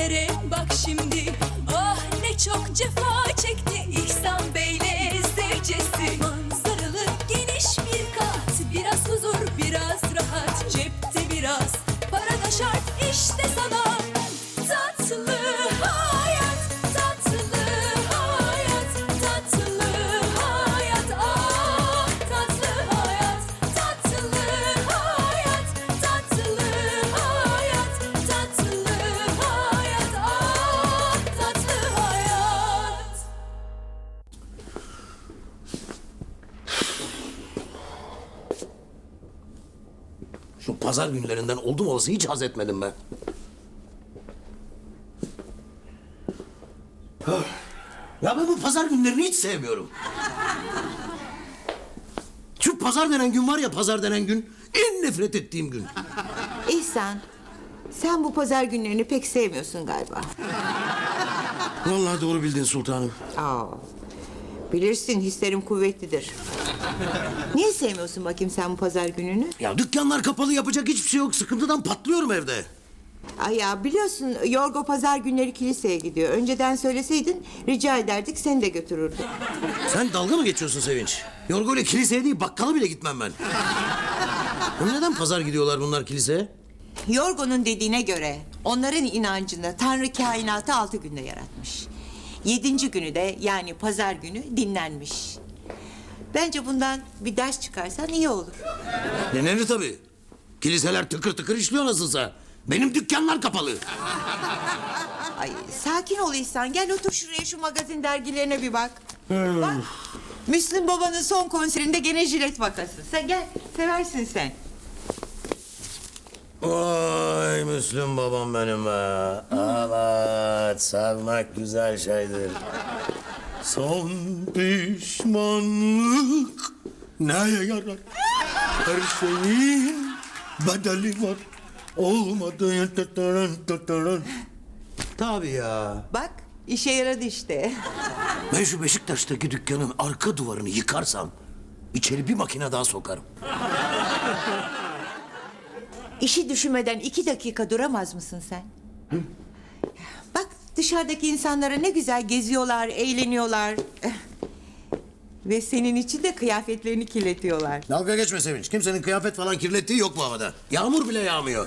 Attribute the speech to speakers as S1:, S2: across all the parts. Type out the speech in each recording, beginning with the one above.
S1: günlere bak şimdi. Ah ne çok cefa çekti İhsan Bey'le zevcesi. Manzaralı geniş bir kat, biraz huzur biraz rahat. Cepte biraz para da şart, işte sana tatlı hayat. Tatlı hayat, tatlı hayat. Ah tatlı hayat, tatlı hayat. Tatlı hayat, tatlı hayat. Ah tatlı hayat.
S2: Şu pazar günlerinden oldum olası hiç haz etmedim ben. Ya ben bu pazar günlerini hiç sevmiyorum. Şu pazar denen gün var ya, pazar denen gün en nefret ettiğim gün.
S3: İhsan, sen bu pazar günlerini pek sevmiyorsun galiba.
S2: Vallahi doğru bildin sultanım.
S3: Aa, bilirsin hislerim kuvvetlidir. Niye sevmiyorsun bakayım sen bu pazar gününü?
S2: Ya dükkanlar kapalı, yapacak hiçbir şey yok. Sıkıntıdan patlıyorum evde.
S3: Ay ya biliyorsun Yorgo pazar günleri kiliseye gidiyor. Önceden söyleseydin rica ederdik seni de götürürdük.
S2: Sen dalga mı geçiyorsun Sevinç? Yorgo ile kiliseye değil, bakkala bile gitmem ben. Neden pazar gidiyorlar bunlar kiliseye?
S3: Yorgo'nun dediğine göre onların inancında Tanrı kainatı 6 günde yaratmış. 7. günü de yani pazar günü dinlenmiş. Bence bundan bir ders çıkarsan iyi olur.
S2: Denenir tabii. Kiliseler tıkır tıkır işliyor nasılsa. Benim dükkanlar kapalı.
S3: Ay sakin ol İhsan. Gel otur şuraya, şu magazin dergilerine bir bak. Bak. Müslüm Baba'nın son konserinde gene jilet vakası. Sen gel, seversin sen.
S2: Vay Müslüm babam benim be. Evet, sevmek güzel şeydir. Son pişmanlık neye yarar? Her şeyin bedeli var. Olmadı. Tabii ya.
S3: Bak, işe yaradı işte.
S2: Ben şu Beşiktaş'taki dükkanın arka duvarını yıkarsam içeri bir makine daha sokarım.
S3: İşi düşünmeden 2 dakika duramaz mısın sen? Hı? Bak, dışarıdaki insanlara ne güzel geziyorlar, eğleniyorlar. Ve senin için de kıyafetlerini kirletiyorlar.
S2: Dalga geçme Sevinç. Kimsenin kıyafet falan kirlettiği yok bu havada. Yağmur bile yağmıyor.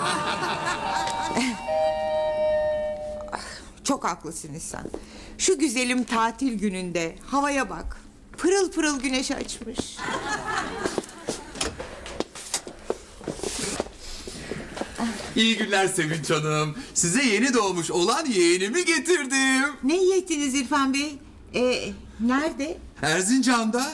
S3: Çok haklısın İhsan. Şu güzelim tatil gününde havaya bak. Pırıl pırıl güneş açmış.
S4: İyi günler Sevinç Hanım. Size yeni doğmuş olan yeğenimi getirdim.
S3: Ne iyi ettiniz İrfan Bey? Nerede?
S4: Erzincan'da.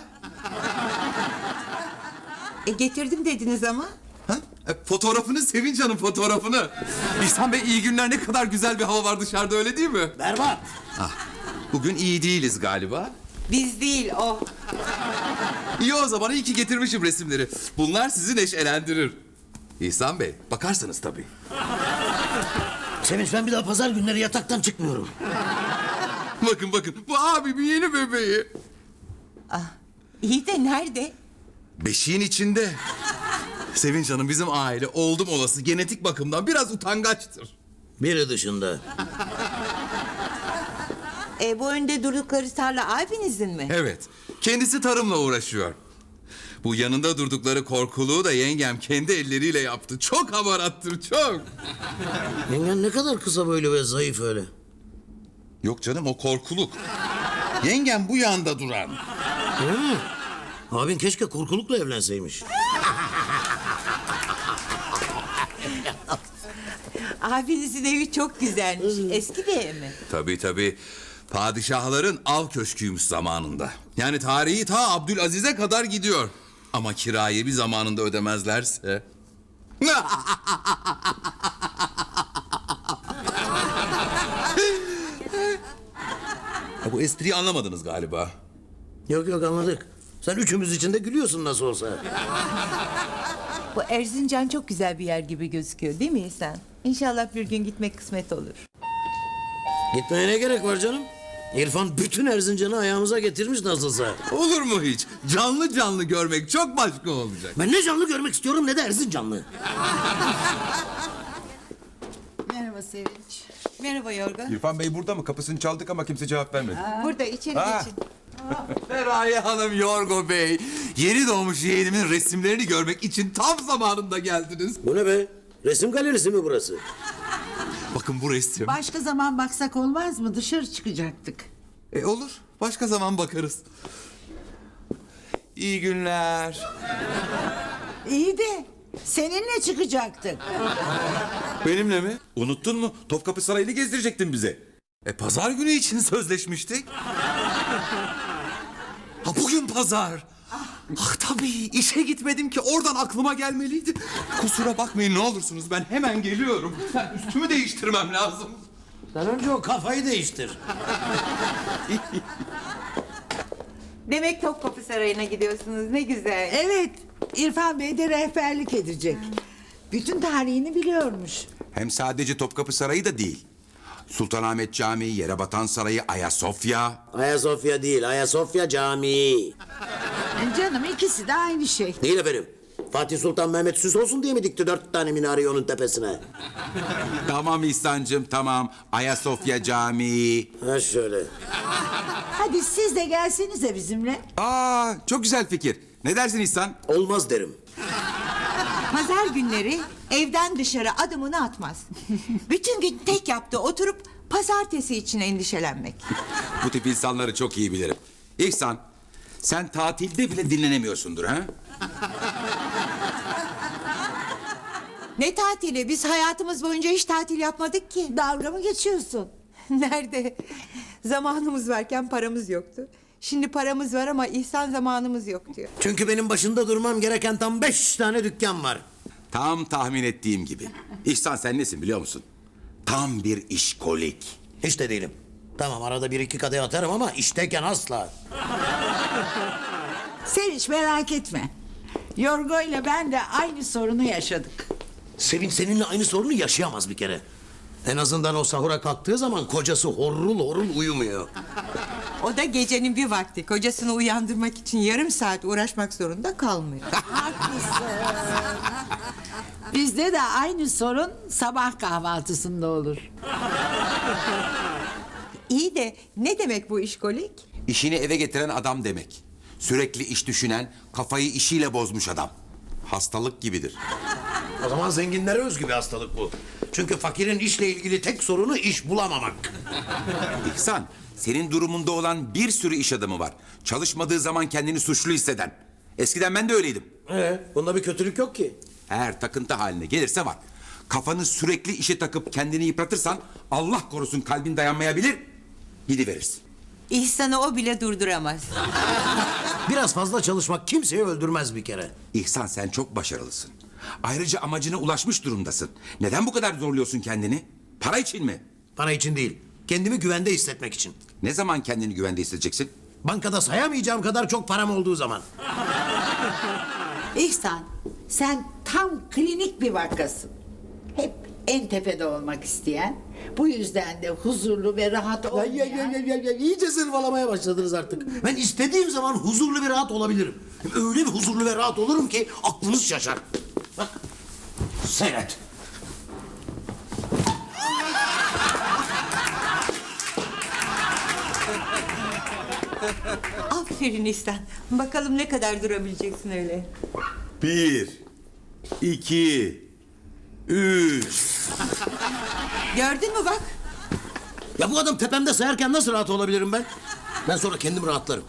S3: Getirdim dediniz ama.
S4: Ha? Fotoğrafını Sevinç Hanım, fotoğrafını. İhsan Bey, iyi günler, ne kadar güzel bir hava var dışarıda, öyle değil mi?
S2: Berbat.
S4: Bugün iyi değiliz galiba.
S3: Biz değil o.
S4: İyi o zaman, iyi ki getirmişim resimleri. Bunlar sizi neşelendirir. İhsan Bey, bakarsanız tabii.
S2: Sevinç, ben bir daha pazar günleri yataktan çıkmıyorum.
S4: Bakın bakın, bu abimin yeni bebeği.
S3: İyi de nerede?
S4: Beşiğin içinde. Sevinç Hanım, bizim aile oldum olası genetik bakımdan biraz utangaçtır.
S2: Biri dışında.
S3: Bu önde durdukları tarla abinizin mi?
S4: Evet, kendisi tarımla uğraşıyor. Bu yanında durdukları korkuluğu da yengem kendi elleriyle yaptı. Çok hamarattır, çok.
S2: Yengen ne kadar kısa böyle ve zayıf öyle.
S4: Yok canım, o korkuluk. Yengem bu yanda duran.
S2: Öyle mi? Abin keşke korkulukla evlenseymiş.
S3: Abinizin evi çok güzelmiş. Eski bir ev mi?
S4: Tabii tabii. Padişahların av köşküymüş zamanında. Yani tarihi ta Abdülaziz'e kadar gidiyor. Ama kirayı bir zamanında ödemezlerse... Ya bu espriyi anlamadınız galiba.
S2: Yok anladık. Sen üçümüz için de gülüyorsun nasıl olsa.
S3: Bu Erzincan çok güzel bir yer gibi gözüküyor değil mi İhsan? İnşallah bir gün gitmek kısmet olur.
S2: Gitmeye ne gerek var canım? İrfan bütün Erzincan'ı ayağımıza getirmiş nasılsa.
S4: Olur mu hiç? Canlı canlı görmek çok başka olacak.
S2: Ben ne canlı görmek istiyorum ne de Erzincanlı.
S5: Merhaba Sevinç.
S3: Merhaba Yorgo.
S6: İrfan Bey burada mı? Kapısını çaldık ama kimse cevap vermedi.
S3: Burada içeri
S6: Ha.
S3: geçin.
S4: Feraye Hanım, Yorgo Bey. Yeni doğmuş yeğenimin resimlerini görmek için tam zamanında geldiniz.
S2: Bu ne be? Resim galerisi mi burası?
S4: Bakın bu resim.
S5: Başka zaman baksak olmaz mı? Dışarı çıkacaktık.
S4: Olur. Başka zaman bakarız. İyi günler.
S5: İyi de seninle çıkacaktık.
S4: Benimle mi?
S6: Unuttun mu? Topkapı Sarayı'nı gezdirecektin bize.
S4: Pazar günü için sözleşmiştik. Ha, bugün pazar. Ah tabii, işe gitmedim ki oradan aklıma gelmeliydi. Kusura bakmayın ne olursunuz, ben hemen geliyorum. Ben üstümü değiştirmem lazım.
S2: Sen önce o kafayı değiştir.
S3: Demek Topkapı Sarayı'na gidiyorsunuz. Ne güzel.
S5: Evet, İrfan Bey de rehberlik edecek. Bütün tarihini biliyormuş.
S6: Hem sadece Topkapı Sarayı da değil. Sultanahmet Camii, Yerebatan Sarayı, Ayasofya.
S2: Ayasofya değil, Ayasofya Camii.
S5: Canım ikisi de aynı şey.
S2: Değil efendim. Fatih Sultan Mehmet süs olsun diye mi dikti 4 tane minareyi onun tepesine?
S6: Tamam İhsan'cığım tamam. Ayasofya Camii.
S2: Ha şöyle.
S5: Hadi siz de gelsenize bizimle.
S6: Aa, çok güzel fikir. Ne dersin İhsan?
S2: Olmaz derim.
S3: Pazar günleri evden dışarı adımını atmaz. Bütün gün tek yaptığı oturup pazartesi için endişelenmek.
S6: Bu tip insanları çok iyi bilirim. İhsan, sen tatilde bile dinlenemiyorsundur ha?
S3: Ne tatili? Biz hayatımız boyunca hiç tatil yapmadık ki.
S5: Dalga mı geçiyorsun?
S3: Nerede? Zamanımız varken paramız yoktu. Şimdi paramız var ama ihsan zamanımız yok diyor.
S2: Çünkü benim başında durmam gereken tam 5 tane dükkan var.
S6: Tam tahmin ettiğim gibi. İhsan sen nesin biliyor musun? Tam bir işkolik.
S2: Hiç de değilim. Tamam arada bir iki kadeh atarım ama işteyken asla.
S5: Sevinç merak etme. Yorgo ile ben de aynı sorunu yaşadık.
S2: Sevinç seninle aynı sorunu yaşayamaz bir kere. En azından o sahura kalktığı zaman kocası horul horul uyumuyor.
S3: O da gecenin bir vakti kocasını uyandırmak için yarım saat uğraşmak zorunda kalmıyor.
S5: Bizde de aynı sorun sabah kahvaltısında olur.
S3: İyi de ne demek bu işkolik?
S6: İşini eve getiren adam demek. Sürekli iş düşünen, kafayı işiyle bozmuş adam. Hastalık gibidir.
S2: O zaman zenginlere özgü bir hastalık bu. Çünkü fakirin işle ilgili tek sorunu iş bulamamak.
S6: İhsan, senin durumunda olan bir sürü iş adamı var. Çalışmadığı zaman kendini suçlu hisseden. Eskiden ben de öyleydim.
S2: Bunda bir kötülük yok ki.
S6: Eğer takıntı haline gelirse var. Kafanı sürekli işe takıp kendini yıpratırsan Allah korusun kalbin dayanmayabilir, gidiverirsin.
S3: İhsan'ı o bile durduramaz.
S2: Biraz fazla çalışmak kimseyi öldürmez bir kere.
S6: İhsan sen çok başarılısın. Ayrıca amacına ulaşmış durumdasın. Neden bu kadar zorluyorsun kendini? Para için mi?
S2: Para için değil, kendimi güvende hissetmek için.
S6: Ne zaman kendini güvende hissedeceksin?
S2: Bankada sayamayacağım kadar çok param olduğu zaman.
S5: İhsan, sen tam klinik bir vakasın. Hep en tepede olmak isteyen, bu yüzden de huzurlu ve rahat olmayan...
S2: İyice zırvalamaya başladınız artık. Ben istediğim zaman huzurlu ve rahat olabilirim. Öyle bir huzurlu ve rahat olurum ki aklınız şaşar. Bak, seyret.
S3: Aferin İhsan. Bakalım ne kadar durabileceksin öyle.
S6: 1, 2, 3.
S3: Gördün mü bak?
S2: Ya bu adam tepemde sayarken nasıl rahat olabilirim ben? Ben sonra kendim rahatlarım.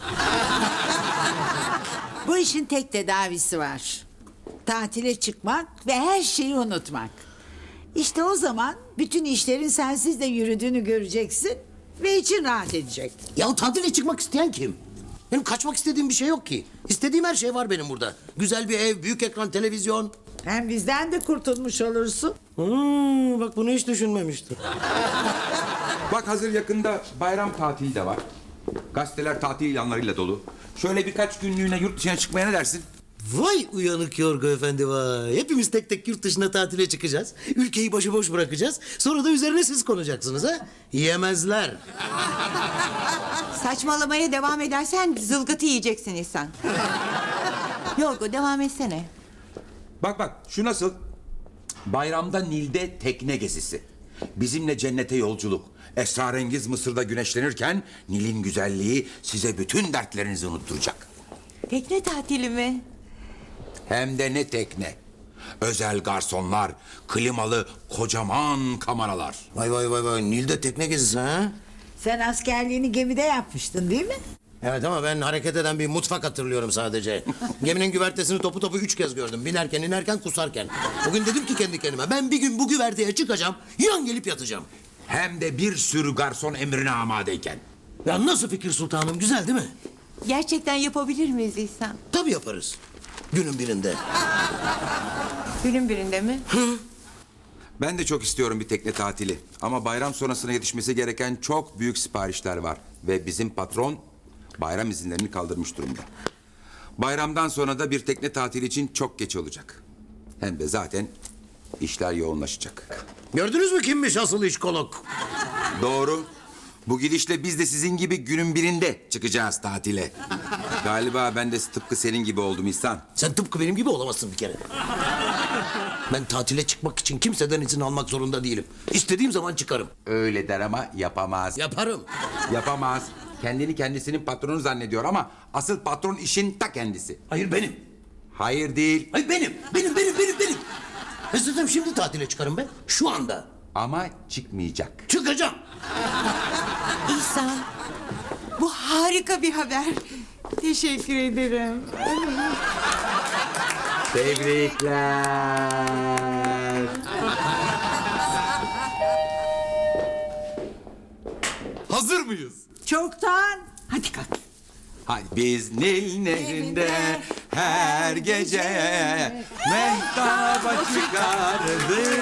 S5: Bu işin tek tedavisi var. Tatile çıkmak ve her şeyi unutmak. İşte o zaman bütün işlerin sensiz de yürüdüğünü göreceksin ve için rahat edecek.
S2: Ya tatile çıkmak isteyen kim? Benim kaçmak istediğim bir şey yok ki. İstediğim her şey var benim burada. Güzel bir ev, büyük ekran, televizyon.
S5: Hem bizden de kurtulmuş olursun.
S2: Bak bunu hiç düşünmemiştim.
S6: Bak hazır yakında bayram tatili de var. Gazeteler tatil ilanlarıyla dolu. Şöyle birkaç günlüğüne yurt dışına çıkmaya ne dersin?
S2: Vay uyanık Yorgo Efendi vay. Hepimiz tek tek yurt dışına tatile çıkacağız. Ülkeyi başıboş bırakacağız. Sonra da üzerine siz konacaksınız ha. Yemezler.
S3: Saçmalamaya devam edersen zılgıtı yiyeceksin İhsan. Yorgo devam etsene.
S6: Bak şu nasıl? Bayramda Nil'de tekne gezisi. Bizimle cennete yolculuk. Esrarengiz Mısır'da güneşlenirken Nil'in güzelliği size bütün dertlerinizi unutturacak.
S3: Tekne tatili mi?
S6: Hem de ne tekne. Özel garsonlar, klimalı kocaman kameralar.
S2: Vay vay vay vay. Nil'de tekne gezisi ha?
S5: Sen askerliğini gemide yapmıştın değil mi?
S2: Evet ama ben hareket eden bir mutfak hatırlıyorum sadece. Geminin güvertesini topu topu 3 kez gördüm. Binerken, inerken, kusarken. Bugün dedim ki kendi kendime ben bir gün bu güverteye çıkacağım, yan gelip yatacağım.
S6: Hem de bir sürü garson emrine amadeyken.
S2: Ya nasıl fikir sultanım, güzel değil mi?
S3: Gerçekten yapabilir miyiz İhsan?
S2: Tabii yaparız. Günün birinde.
S3: Günün birinde mi?
S6: Ben de çok istiyorum bir tekne tatili. Ama bayram sonrasına yetişmesi gereken çok büyük siparişler var. Ve bizim patron bayram izinlerini kaldırmış durumda. Bayramdan sonra da bir tekne tatili için çok geç olacak. Hem de zaten işler yoğunlaşacak.
S2: Gördünüz mü kimmiş asıl işkolog?
S6: Doğru. Bu gidişle biz de sizin gibi günün birinde çıkacağız tatile. Galiba ben de tıpkı senin gibi oldum İhsan.
S2: Sen tıpkı benim gibi olamazsın bir kere. Ben tatile çıkmak için kimseden izin almak zorunda değilim. İstediğim zaman çıkarım.
S6: Öyle der ama yapamaz.
S2: Yaparım.
S6: Yapamaz. Kendini kendisinin patronu zannediyor ama asıl patron işin ta kendisi.
S2: Hayır benim.
S6: Hayır değil.
S2: Hayır benim. Benim. İstesem şimdi tatile çıkarım ben. Şu anda.
S6: Ama çıkmayacak.
S2: Çıkacağım.
S3: İhsan, bu harika bir haber. Teşekkür ederim.
S6: Tebrikler.
S4: Hazır mıyız?
S5: Çoktan. Hadi kalk.
S6: Hadi biz Nil Nehri'nde her gece mehtaba çıkardık.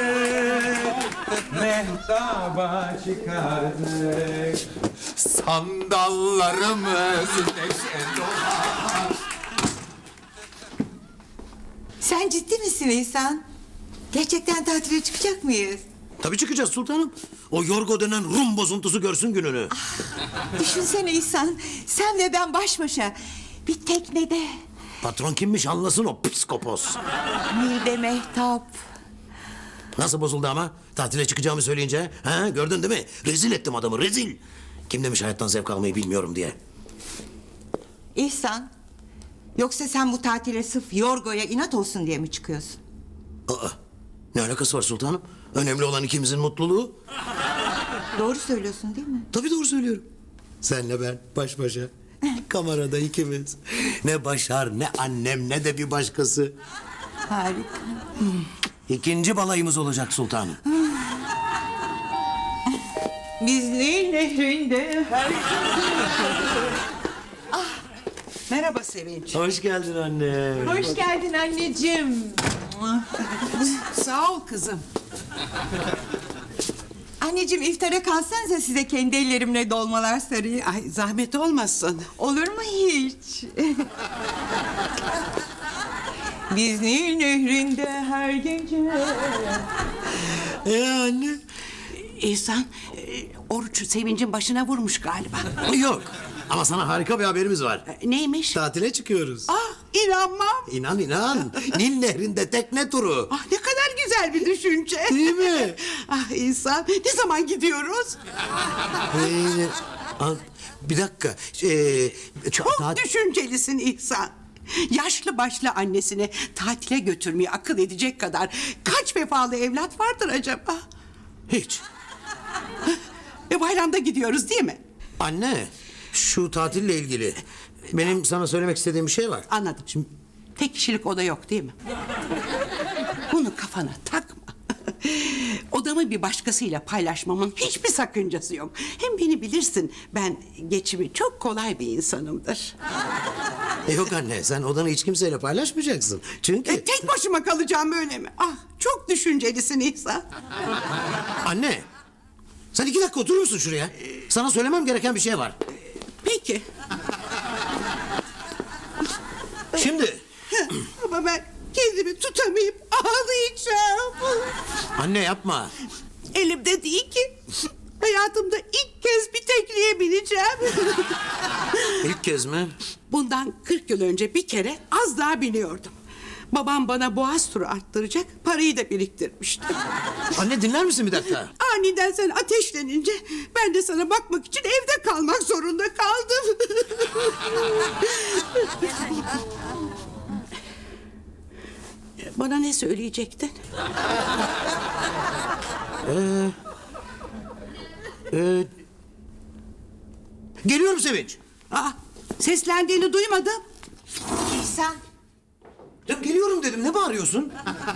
S6: Mehtaba çıkardık.
S4: Sandallarımız neşe dolar.
S3: Sen ciddi misin İhsan? Gerçekten tatile çıkacak mıyız?
S2: Tabii çıkacağız sultanım. O Yorgo denen Rum bozuntusu görsün gününü.
S3: Düşünsene İhsan, sen ve ben baş başa bir teknede.
S2: Patron kimmiş anlasın o psikopos.
S3: Nil'de mehtap.
S2: Nasıl bozuldu ama? Tatile çıkacağımı söyleyince. Ha, gördün değil mi? Rezil ettim adamı, rezil. Kim demiş hayattan zevk almayı bilmiyorum diye.
S3: İhsan, yoksa sen bu tatile sırf Yorgo'ya inat olsun diye mi çıkıyorsun?
S2: Aa, ne alakası var sultanım? Önemli olan ikimizin mutluluğu.
S3: Doğru söylüyorsun değil mi?
S2: Tabii doğru söylüyorum. Senle ben baş başa. Kamerada ikimiz. Ne Başar, ne annem, ne de bir başkası.
S3: Harika.
S2: İkinci balayımız olacak sultanım.
S3: Biz Nil Nehri'nde her...
S7: Merhaba Sevinç.
S2: Hoş geldin anne.
S3: Hoş geldin anneciğim.
S7: Sağ ol kızım.
S3: Anneciğim iftara kalsanıza size kendi ellerimle dolmalar sarayım.
S7: Ay zahmet olmasın.
S3: Olur mu hiç? Biz Nil Nehri'nde her gece...
S2: Anne?
S7: İhsan, oruç Sevinç'in başına vurmuş galiba.
S2: Yok. Ama sana harika bir haberimiz var.
S7: Neymiş?
S2: Tatile çıkıyoruz.
S7: Ah, inanmam.
S2: İnan inan. Nil Nehri'nde tekne turu.
S7: Ah, ne kadar güzel bir düşünce.
S2: Değil mi?
S7: Ah İhsan, ne zaman gidiyoruz?
S2: Bir dakika.
S7: Çok düşüncelisin İhsan. Yaşlı başlı annesini tatile götürmeyi akıl edecek kadar kaç vefalı evlat vardır acaba?
S2: Hiç.
S7: Bayramda gidiyoruz değil mi?
S2: Anne, şu tatille ilgili benim sana söylemek istediğim bir şey var.
S7: Anladım.
S2: Şimdi
S7: Tek kişilik oda yok değil mi? Bunu kafana takma. Odamı bir başkasıyla paylaşmamın hiçbir sakıncası yok. Hem beni bilirsin, ben geçimi çok kolay bir insanımdır.
S2: yok anne, sen odanı hiç kimseyle paylaşmayacaksın. Çünkü
S7: Tek başıma kalacağım öyle mi? Ah, çok düşüncelisin İhsan.
S2: anne, sen 2 dakika oturur musun şuraya? Sana söylemem gereken bir şey var.
S7: Peki.
S2: Şimdi
S7: Ama ben kendimi tutamayıp ağlayacağım.
S2: anne yapma.
S7: Elimde değil ki. Hayatımda ilk kez bir tekneye bineceğim.
S2: İlk kez mi?
S7: Bundan 40 yıl önce bir kere az daha biniyordum. Babam bana boğaz turu arttıracak parayı da biriktirmişti.
S2: Anne dinler misin bir dakika?
S7: Aniden sen ateşlenince ben de sana bakmak için evde kalmak zorunda kaldım. Bana ne söyleyecektin?
S2: Geliyorum Sevinç.
S7: Aa, seslendiğini duymadım.
S3: İhsan.
S2: Ya geliyorum dedim, ne bağırıyorsun?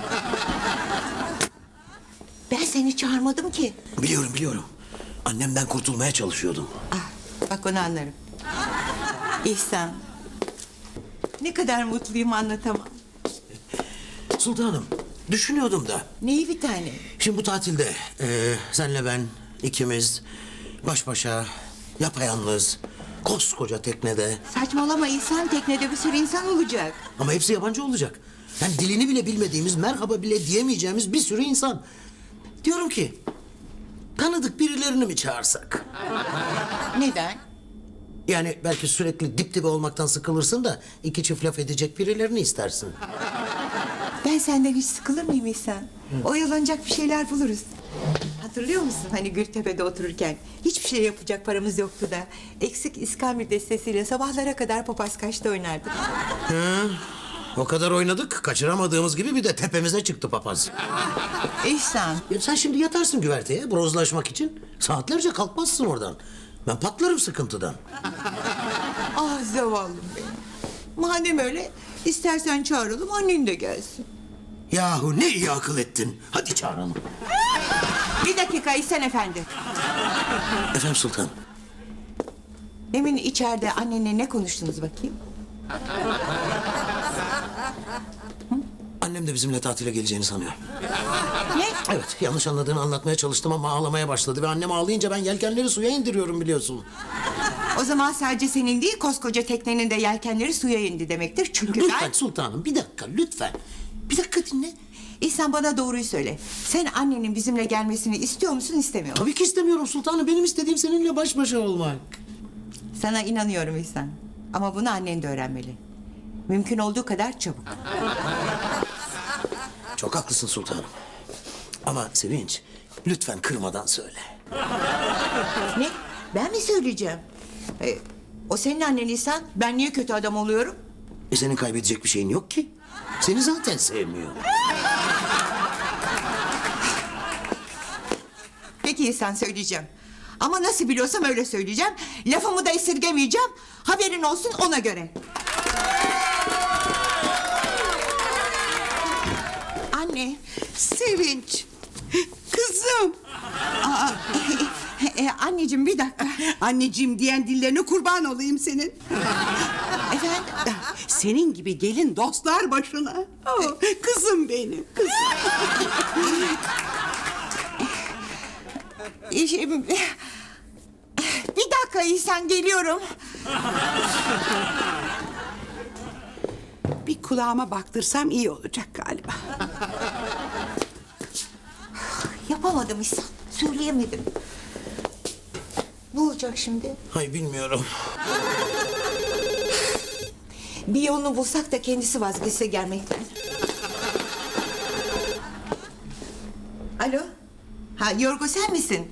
S3: Ben seni çağırmadım ki.
S2: Biliyorum. Annemden kurtulmaya çalışıyordum.
S3: Ah, bak onu anlarım. İhsan. Ne kadar mutluyum anlatamam.
S2: Sultanım, düşünüyordum da.
S3: Neyi bir tane?
S2: Şimdi bu tatilde senle ben ikimiz baş başa, yapayalnız, koskoca teknede.
S3: Saçmalama İhsan, teknede bir sürü insan olacak.
S2: Ama hepsi yabancı olacak. Yani dilini bile bilmediğimiz, merhaba bile diyemeyeceğimiz bir sürü insan. Diyorum ki, tanıdık birilerini mi çağırsak?
S3: Neden?
S2: Yani belki sürekli dip dibe olmaktan sıkılırsın da iki çift laf edecek birilerini istersin.
S3: Ben senden hiç sıkılır mıyım İhsan? Oyalanacak bir şeyler buluruz. Hatırlıyor musun hani Gültepe'de otururken hiçbir şey yapacak paramız yoktu da eksik iskambil destesiyle sabahlara kadar papaz kaçta oynardık.
S2: O kadar oynadık, kaçıramadığımız gibi bir de tepemize çıktı papaz.
S3: İhsan,
S2: Ya sen şimdi yatarsın güverteye brozlaşmak için. Saatlerce kalkmazsın oradan. Ben patlarım sıkıntıdan.
S3: ah zavallım benim. Madem öyle istersen çağıralım annen de gelsin.
S2: Yahu ne iyi akıl ettin. Hadi çağıralım.
S3: Bir dakika İhsan efendi.
S2: Efendim sultan.
S3: Demin içeride annenle ne konuştunuz bakayım?
S2: Annem de bizimle tatile geleceğini sanıyor.
S3: Ne?
S2: Evet, yanlış anladığını anlatmaya çalıştım ama ağlamaya başladı. Ve annem ağlayınca ben yelkenleri suya indiriyorum biliyorsun.
S3: O zaman sadece senin değil koskoca teknenin de yelkenleri suya indi demektir. Çünkü
S2: Lütfen
S3: ben...
S2: sultanım, bir dakika lütfen. Bir dakika dinle.
S3: İhsan bana doğruyu söyle. Sen annenin bizimle gelmesini istiyor musun istemiyor musun?
S2: Tabii ki istemiyorum sultanım. Benim istediğim seninle baş başa olmak.
S3: Sana inanıyorum İhsan. Ama bunu annen de öğrenmeli. Mümkün olduğu kadar çabuk.
S2: Çok haklısın sultanım. Ama Sevinç, lütfen kırmadan söyle.
S3: Ne? Ben mi söyleyeceğim? O senin annen İhsan. Ben niye kötü adam oluyorum?
S2: Senin kaybedecek bir şeyin yok ki. Seni zaten sevmiyor.
S3: Peki İhsan söyleyeceğim. Ama nasıl biliyorsam öyle söyleyeceğim. Lafımı da esirgemeyeceğim. Haberin olsun ona göre. Anne.
S7: Sevinç. Kızım.
S3: Anneciğim bir dakika.
S7: Anneciğim diyen dillerine kurban olayım senin.
S3: Efendim?
S7: Senin gibi gelin dostlar başına. Oh, kızım benim. Kızım.
S3: Bir dakika İhsan geliyorum.
S7: Bir kulağıma baktırsam iyi olacak galiba.
S3: Yapamadım İhsan. Söyleyemedim. Ne olacak şimdi?
S2: Hay bilmiyorum.
S3: Bir yolunu bulsak da kendisi vazgeçse gelmekten. Alo? Ha Yorgo sen misin?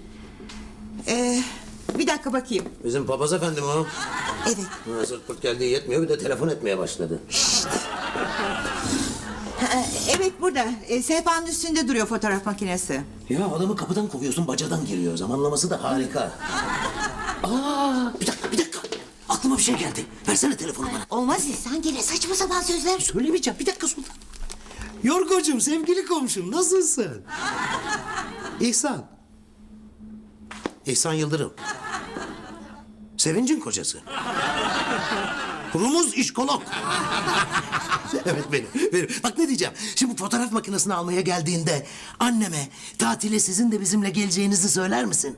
S3: Bir dakika bakayım.
S2: Bizim papaz efendim o.
S3: Evet.
S2: Hazır pırt geldiği yetmiyor bir de telefon etmeye başladı.
S3: Evet burada. Sehpanın üstünde duruyor fotoğraf makinesi.
S2: Ya adamı kapıdan kovuyorsun bacadan giriyor. Zamanlaması da harika. Bir dakika. Aklıma bir şey geldi. Versene telefonu bana.
S3: Olmaz İhsan gene saçma sapan sözler.
S2: Söylemeyeceğim. Bir dakika sultan. Yorgocuğum, sevgili komşum nasılsın? İhsan. İhsan Yıldırım. Sevinç'in kocası. Rumuz işkolog. Evet benim. Bak ne diyeceğim. Şimdi bu fotoğraf makinesini almaya geldiğinde anneme tatile sizin de bizimle geleceğinizi söyler misin?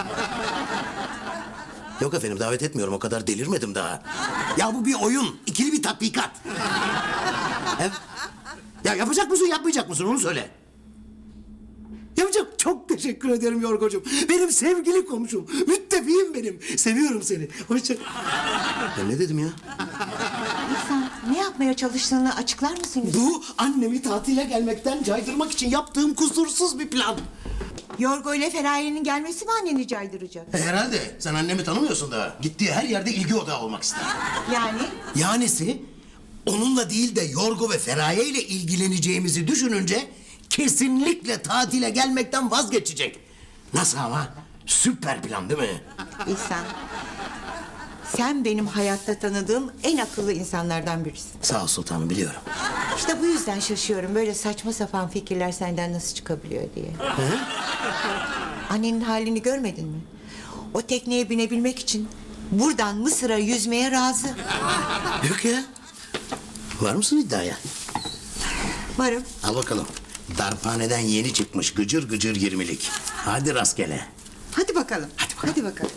S2: Yok efendim davet etmiyorum o kadar delirmedim daha. Ya bu bir oyun. İkili bir tatbikat. Evet. Ya yapacak mısın yapmayacak mısın onu söyle. Yapacağım. Çok teşekkür ederim Yorgocuğum. Benim sevgili komşum. Müttefiğim benim. Seviyorum seni. Hoşça... Ben ne dedim ya?
S3: İhsan Ne yapmaya çalıştığını açıklar mısın lütfen?
S2: Bu annemi tatile gelmekten caydırmak için yaptığım kusursuz bir plan.
S3: Yorgo ile Feraye'nin gelmesi mi anneni caydıracak?
S2: Herhalde. Sen annemi tanımıyorsun da. Gittiği her yerde ilgi odağı olmak ister.
S3: Yani?
S2: Yanisi onunla değil de Yorgo ve Feraye ile ilgileneceğimizi düşününce kesinlikle tatile gelmekten vazgeçecek. Nasıl ama? Süper plan değil mi?
S3: İhsan, sen benim hayatta tanıdığım en akıllı insanlardan birisin.
S2: Sağ ol sultanım, biliyorum.
S3: İşte bu yüzden şaşıyorum. Böyle saçma sapan fikirler senden nasıl çıkabiliyor diye. Annenin halini görmedin mi? O tekneye binebilmek için buradan Mısır'a yüzmeye razı.
S2: Yok ya. Var mısın iddiaya?
S3: Varım.
S2: Al bakalım. Darphaneden yeni çıkmış gıcır gıcır 20'lik. Hadi rastgele.
S3: Hadi bakalım. Hadi bakalım.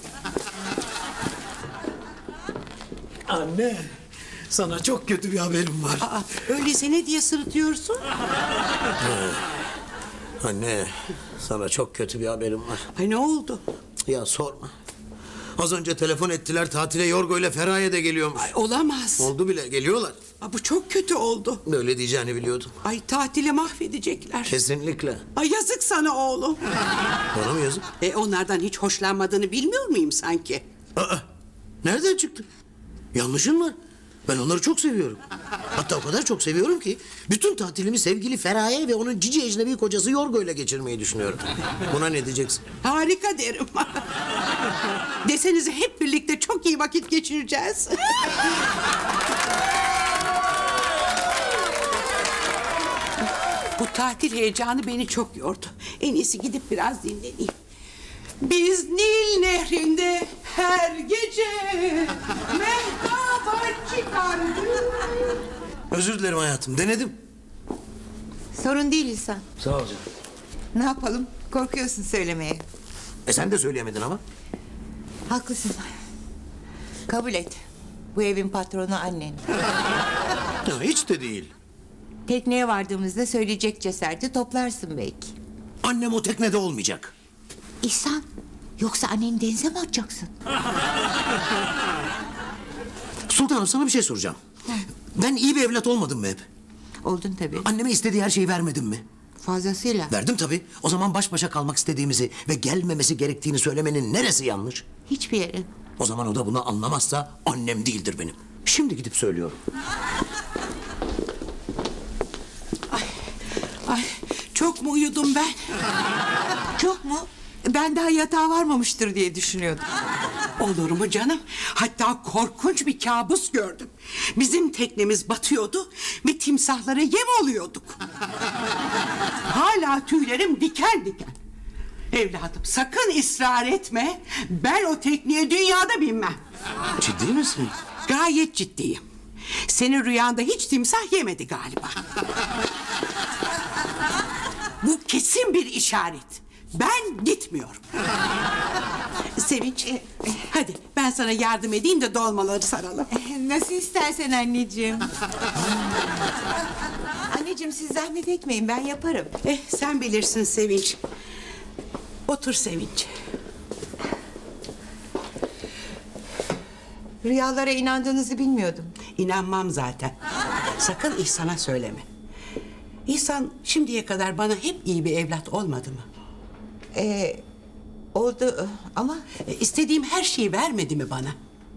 S2: Anne, sana çok kötü bir haberim var.
S7: Aa, öyleyse ne diye sırıtıyorsun?
S2: Anne, sana çok kötü bir haberim var.
S7: Ay ne oldu?
S2: Ya sorma. Az önce telefon ettiler, tatile Yorgo ile Feraye de geliyormuş.
S7: Ay, olamaz.
S2: Oldu bile, geliyorlar.
S7: Aa, bu çok kötü oldu.
S2: Böyle diyeceğini biliyordum.
S7: Ay tatili mahvedecekler.
S2: Kesinlikle.
S7: Ay yazık sana oğlum.
S2: Bana mı yazık?
S7: Onlardan hiç hoşlanmadığını bilmiyor muyum sanki?
S2: Aa, nereden çıktı? Yanlışın var. Ben onları çok seviyorum. Hatta o kadar çok seviyorum ki bütün tatilimi sevgili Feraye ve onun cici ecnebi kocası Yorgo ile geçirmeyi düşünüyorum. Buna ne diyeceksin?
S7: Harika derim. Desenize hep birlikte çok iyi vakit geçireceğiz. Bu tatil heyecanı beni çok yordu. En iyisi gidip biraz dinleneyim. Biz Nil Nehri'nde her gece mehtaba çıkardık.
S2: Özür dilerim hayatım, denedim.
S3: Sorun değil İhsan.
S2: Sağ ol canım.
S3: Ne yapalım? Korkuyorsun söylemeye.
S2: Sen de söyleyemedin ama.
S3: Haklısın. Kabul et. Bu evin patronu annen.
S2: Ya, hiç de değil.
S3: Tekneye vardığımızda söyleyecek cesareti toplarsın belki.
S2: Annem o teknede olmayacak.
S3: İhsan, yoksa anneni denize mi atacaksın?
S2: Sultanım, sana bir şey soracağım. Ben iyi bir evlat olmadım mı hep?
S3: Oldun tabii.
S2: Anneme istediği her şeyi vermedim mi?
S3: Fazlasıyla.
S2: Verdim tabii. O zaman baş başa kalmak istediğimizi ve gelmemesi gerektiğini söylemenin neresi yanlış?
S3: Hiçbir yere.
S2: O zaman o da bunu anlamazsa annem değildir benim. Şimdi gidip söylüyorum.
S7: Ay çok mu uyudum ben?
S3: Çok mu? Ben daha yatağa varmamıştır diye düşünüyordum.
S7: Olur mu canım? Hatta korkunç bir kabus gördüm. Bizim teknemiz batıyordu ve timsahlara yem oluyorduk. Hala tüylerim diken diken. Evladım sakın ısrar etme. Ben o tekneye dünyada binmem.
S2: Ciddi misin?
S7: Gayet ciddiyim. Senin rüyanda hiç timsah yemedi galiba. Bu kesin bir işaret. Ben gitmiyorum. Sevinç, hadi ben sana yardım edeyim de dolmaları saralım.
S3: Nasıl istersen anneciğim. Anneciğim siz zahmet etmeyin, ben yaparım.
S7: Sen bilirsin Sevinç. Otur Sevinç.
S3: Rüyalara inandığınızı bilmiyordum.
S7: İnanmam zaten. Sakın İhsan'a söyleme. İhsan şimdiye kadar bana hep iyi bir evlat olmadı mı?
S3: Oldu ama
S7: İstediğim her şeyi vermedi mi bana?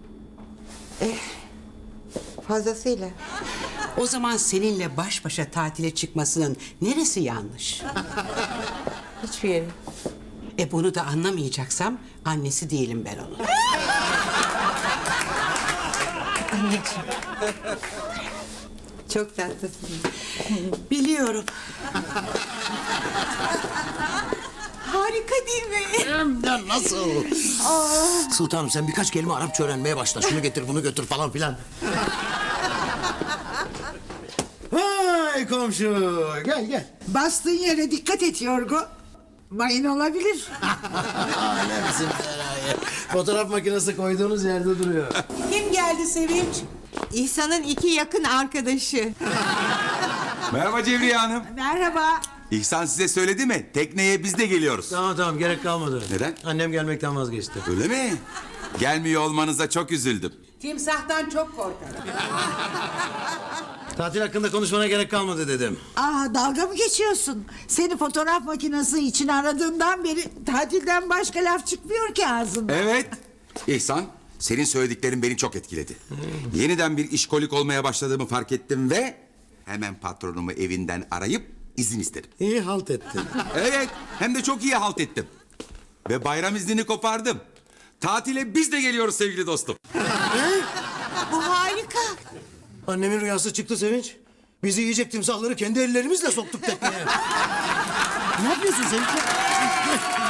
S3: fazlasıyla.
S7: O zaman seninle baş başa tatile çıkmasının neresi yanlış?
S3: Hiçbir yere.
S7: Bunu da anlamayacaksam annesi değilim ben onun.
S3: Anneciğim. Çok tatlısın.
S7: Biliyorum.
S3: Harika değil mi?
S2: Hem de nasıl? Sultanım, sen birkaç kelime Arapça öğrenmeye başla. Şunu getir, bunu götür falan filan. Vay komşu, gel gel.
S5: Bastığın yere dikkat et Yorgo. Mayın olabilir.
S2: Alemsin Feraye. Fotoğraf makinesi koyduğunuz yerde duruyor.
S7: Kim geldi Sevinç?
S3: İhsan'ın iki yakın arkadaşı.
S6: Merhaba Cevriye Hanım.
S5: Merhaba.
S6: İhsan size söyledi mi? Tekneye biz de geliyoruz.
S2: Tamam, gerek kalmadı.
S6: Neden?
S2: Annem gelmekten vazgeçti.
S6: Öyle mi? Gelmiyor olmanıza çok üzüldüm.
S7: Timsahtan çok korkarım.
S2: Tatil hakkında konuşmana gerek kalmadı dedim.
S5: Dalga mı geçiyorsun? Seni fotoğraf makinesi için aradığımdan beri tatilden başka laf çıkmıyor ki ağzından.
S6: Evet. İhsan, senin söylediklerin beni çok etkiledi. Yeniden bir işkolik olmaya başladığımı fark ettim ve hemen patronumu evinden arayıp izin istedim.
S2: İyi halt ettin.
S6: Evet, hem de çok iyi halt ettim. Ve bayram iznini kopardım. Tatile biz de geliyoruz sevgili dostum.
S3: Bu harika.
S2: Annemin rüyası çıktı Sevinç. Bizi yiyecek timsahları kendi ellerimizle soktuk tekneye. Ne yapıyorsun Sevinç?